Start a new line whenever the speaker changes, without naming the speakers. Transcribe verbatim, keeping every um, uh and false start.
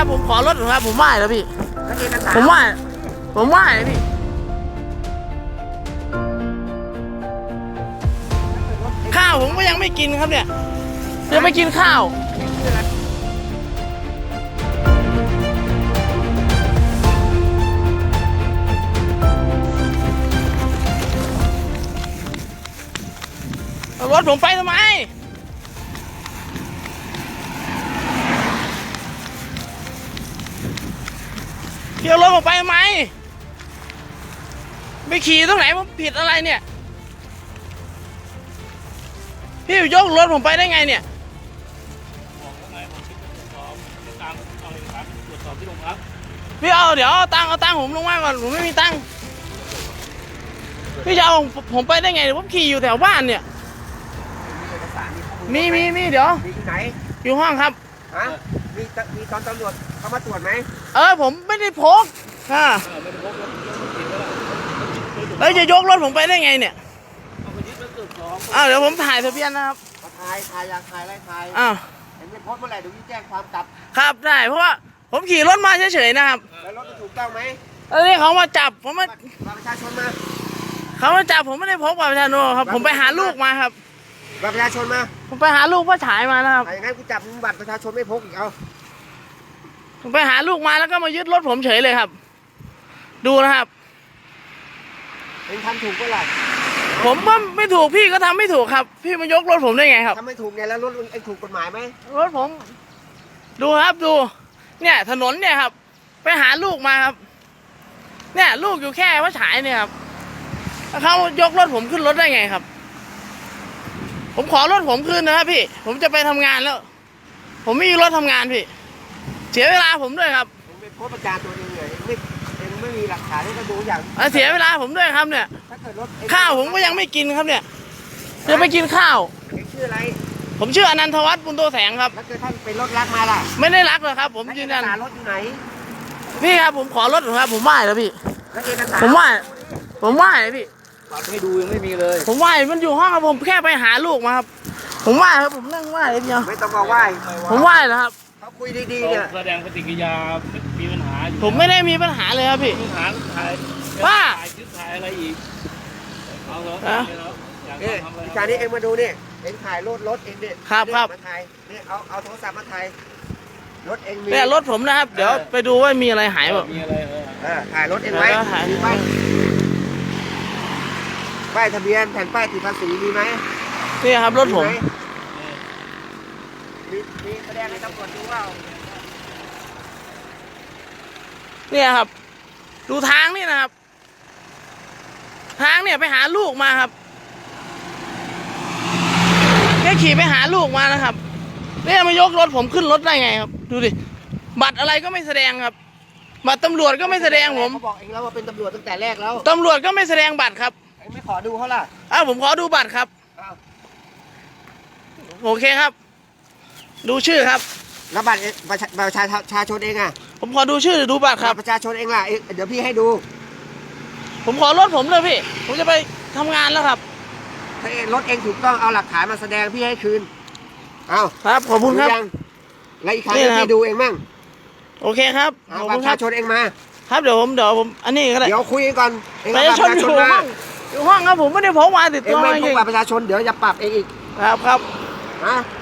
ครับผมขอรถครับผมไหว้แล้วพี่ผมไหว้ผมไหว้เลยพี่ข้าวผมก็ยังไม่กินครับเนี่ยยังไม่กินข้าวรถผมไปทำไมเดี๋ยวรถผมไปทำไมไปขี่ตรงไหนผมผิดอะไรเนี่ยพี่ยกรถผมไปได้ไงเนี่ยพี่เอาเดี๋ยวเอาตังค์เอาตังค์ผมลงมาก่อนผมไม่มีตังค์พี่จะเอาผมไปได้ไงผมขี่อยู่แถวบ้านเนี่ยมีมีมีเดี๋ยวอยู่ไหนอยู่ห้องครับฮะมีมีตอนตำรวจเขามาตรวจไหมเออผมไม่ได้พกค่ะแล้วจะยกรถผมไปได้ไงเนี่ยอ้าวเดี๋ยวผมถ่ายทะเบียนนะครับถ่ายถ่ายอยากถ่ายอะไรถ่ายอ้าวเห็นไม่พบเมื่อไหร่เดี๋ยวพี่แจ้งความกลับครับได้เพราะว่าผมขี่รถมาเฉยๆนะครับแล้วรถถูกต้องไหมเออนี่เขามาจับผมมาประชาชนมาเขามาจับผมไม่ได้พกบัตรประชาชนครับผมไปหาลูกมาครับบัตรประชาชนมาผมไปหาลูกพ่อฉายมานะครับอย่างนั้นกูจับบัตรประชาชนไม่พกอีกเอาผมไปหาลูกมาแล้วก็มายึดรถผมเฉยเลยครับดูนะครับเองทำถูกเมื่อไหร่ผมว่าไม่ถูกพี่ก็ทำไม่ถูกครับพี่มายกรถผมได้ไงครับทำไม่ถูกไงแล้วรถเองถูกกฎหมายไหมรถผมดูครับดูเนี่ยถนนเนี่ยครับไปหาลูกมาครับเนี่ยลูกอยู่แค่พ่อฉายเนี่ยครับเขายกรถผมขึ้นรถได้ไงครับผมขอรถผมคืนนะครับพี่ผมจะไปทำงานแล้วผมไม่มีรถทำงานพี่เสียเวลาผมด้วยครับผมเป็นโพสต์ประจานตัวเองเลยไม่เองไม่มีหลักฐานให้ดูอย่างเสียเวลาผมด้วยครับเนี่ยข้าวผมก็ยังไม่กินครับเนี่ยจะไปกินข้าวเองชื่ออะไรผมชื่ออนันทวัฒน์บุญโตแสงครับแล้วคือท่านเป็นรถรักมาล่ะไม่ได้รักหรอกครับผมยืนยันรถอยู่ไหนพี่ครับผมขอรถครับผมไหว้แล้วพี่ผมไหว้ผมไหว้เลยพี่ให้ดูยังไม่มีเลยผมไหว้มันอยู่ห้องครับผมแค่ไปหาลูกมาครับผมไหว้ครับผมนั่งไหว้เลยเดียวไม่ต้องมาไหว้ผมไหว้แล้วครับเขาคุยดีๆเนี่ยแสดงปฏิกิริยามีปัญหาผมไม่ได้มีปัญหาเลยครับพี่ปัญหาถ่ายว่าถ่ายคลิปถ่ายอะไรอีกเอาเหรอเนี่ยวิชานี้เองมาดูนี่เองถ่ายรถรถเองเนี่ยครับครับมาถ่ายนี่เอาเอาโทรศัพท์มาถ่ายรถเองมีเนี่ยรถผมนะครับเดี๋ยวไปดูว่ามีอะไรหายแบบมีอะไรเออถ่ายรถเองไว้มีไหมป้ายทะเบียนแผ่นป้ายติดภาษีมีไหมนี่ครับรถผมมีมีแสดงให้ตำรวจดูว่าเนี่ยครับดูทางนี่นะครับทางเนี่ยไปหาลูกมาครับแค่ขี่ไปหาลูกมานะครับเนี่ยมายกรถผมขึ้นรถได้ไงครับดูดิบัตรอะไรก็ไม่แสดงครับบัตรตำรวจก็ไม่แสดงผมเขาบอกเองแล้วว่าเป็นตำรวจตั้งแต่แรกแล้วตำรวจก็ไม่แสดงบัตรครับไม่ขอดูเขาล่ะอ้าวผมขอดูบัตรครับโอเคครับดูชื่อครับแล้วบัตรประชาประชาชนเองอ่ะผมขอดูชื่อดูบัตรครับประชาชนเองล่ะเดี๋ยวพี่ให้ดูผมขอรถผมเลยพี่ผมจะไปทำงานแล้วครับถ้ารถเองถูกต้องเอาหลักฐานมาแสดงพี่ให้คืนเอาครับขอบคุณครับแล้วอีกครั้งพี่ดูเองมั่งโอเคครับเอาบัตรประชาชนเองมาครับเดี๋ยวผมเดี๋ยวผมอันนี้ก็ได้เดี๋ยวคุยกันก่อนประชาชนอยู่ห้องอยู่ห้องครับผมไม่ได้พกมาติดตัวเองไม่พกบัตรประชาชนเดี๋ยวจะปรับเองอีกครับครับฮะ